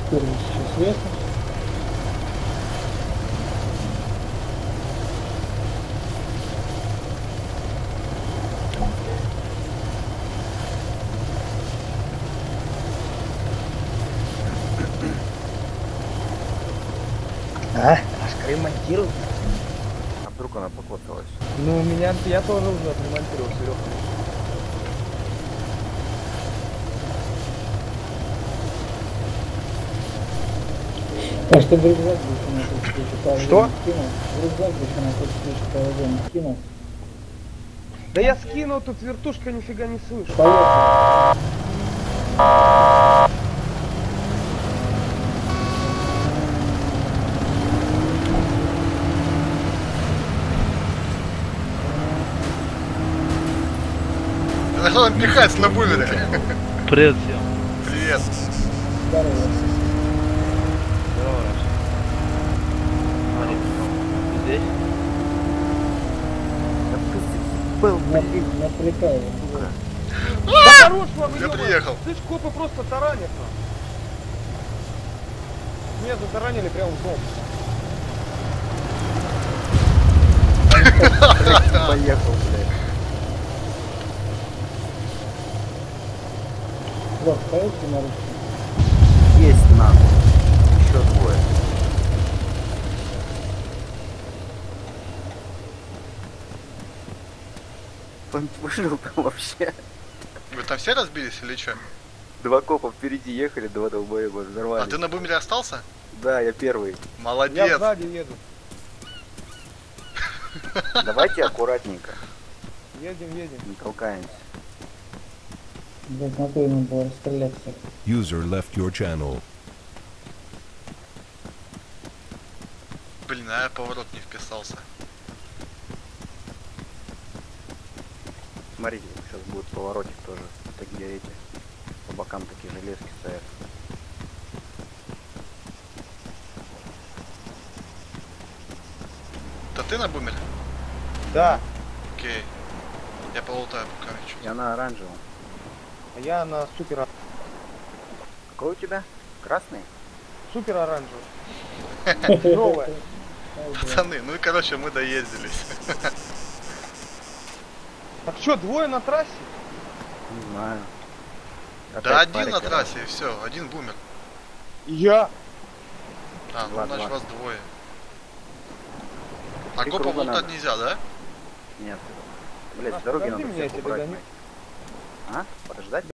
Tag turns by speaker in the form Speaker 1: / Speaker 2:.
Speaker 1: Первый сейчас сверху. Аж ремонтируют.
Speaker 2: А вдруг она покоцалась?
Speaker 1: Ну, я тоже уже отремонтировал, Серега. А что в рюкзак еще на тот случай положение скинул? В рюкзак еще на тот случай положение скинул.
Speaker 3: Да я скинул, тут вертушка нифига не слышу.
Speaker 1: Поехали.
Speaker 4: Зашел он пихать на бумере.
Speaker 5: Привет всем.
Speaker 4: Привет.
Speaker 1: Здорово.
Speaker 5: Здорово, Раш. Смотри, ты здесь?
Speaker 2: Был,
Speaker 1: Не отвлекай его.
Speaker 3: Да хорош вам,
Speaker 4: Я
Speaker 3: ё-моё.
Speaker 4: приехал.
Speaker 3: Слышь, копы просто таранят нам. Меня затаранили прямо в дом.
Speaker 2: поехал, блядь.
Speaker 1: Лох, поедете на ручку?
Speaker 2: Есть нахуй. Еще двое. Он выжил там вообще.
Speaker 4: Вы там все разбились или что?
Speaker 2: Два копа впереди ехали, два долбоеба
Speaker 4: А
Speaker 2: взорвались.
Speaker 4: ты на бумере остался?
Speaker 2: Да, я первый.
Speaker 3: Я
Speaker 4: Молодец.
Speaker 3: сзади еду.
Speaker 2: Давайте аккуратненько.
Speaker 3: Едем.
Speaker 2: Не толкаемся.
Speaker 1: Блять, на то ему было расстрелять всех.
Speaker 6: User left your channel.
Speaker 4: Блин, а я поворот не вписался.
Speaker 2: Смотрите, сейчас будет поворотик тоже. Такие эти. По бокам такие железки стоят.
Speaker 4: Это ты на бумере?
Speaker 3: Да,
Speaker 4: Окей. Я полутаю пока чуть.
Speaker 2: Я на оранжевом.
Speaker 3: а я на супер
Speaker 2: Какой у тебя? Красный?
Speaker 3: оранжевый. Новая.
Speaker 4: Пацаны, ну и короче мы доездились.
Speaker 3: Так что, двое на трассе?
Speaker 2: Не знаю.
Speaker 4: Да
Speaker 2: Опять
Speaker 4: один
Speaker 2: парик,
Speaker 4: на
Speaker 2: короче.
Speaker 4: трассе и все, один бумер.
Speaker 3: И я.
Speaker 4: А, ну
Speaker 2: Два,
Speaker 4: значит
Speaker 2: два.
Speaker 4: вас двое. А
Speaker 2: Три
Speaker 4: копов
Speaker 2: круга
Speaker 4: лутать
Speaker 2: надо.
Speaker 4: нельзя, да?
Speaker 2: Нет. Блять,
Speaker 3: Нас
Speaker 2: дороги
Speaker 3: подожди
Speaker 2: надо
Speaker 3: меня, я
Speaker 2: всех
Speaker 3: тебя
Speaker 2: убрать.
Speaker 3: догоню.
Speaker 2: А? Подождать?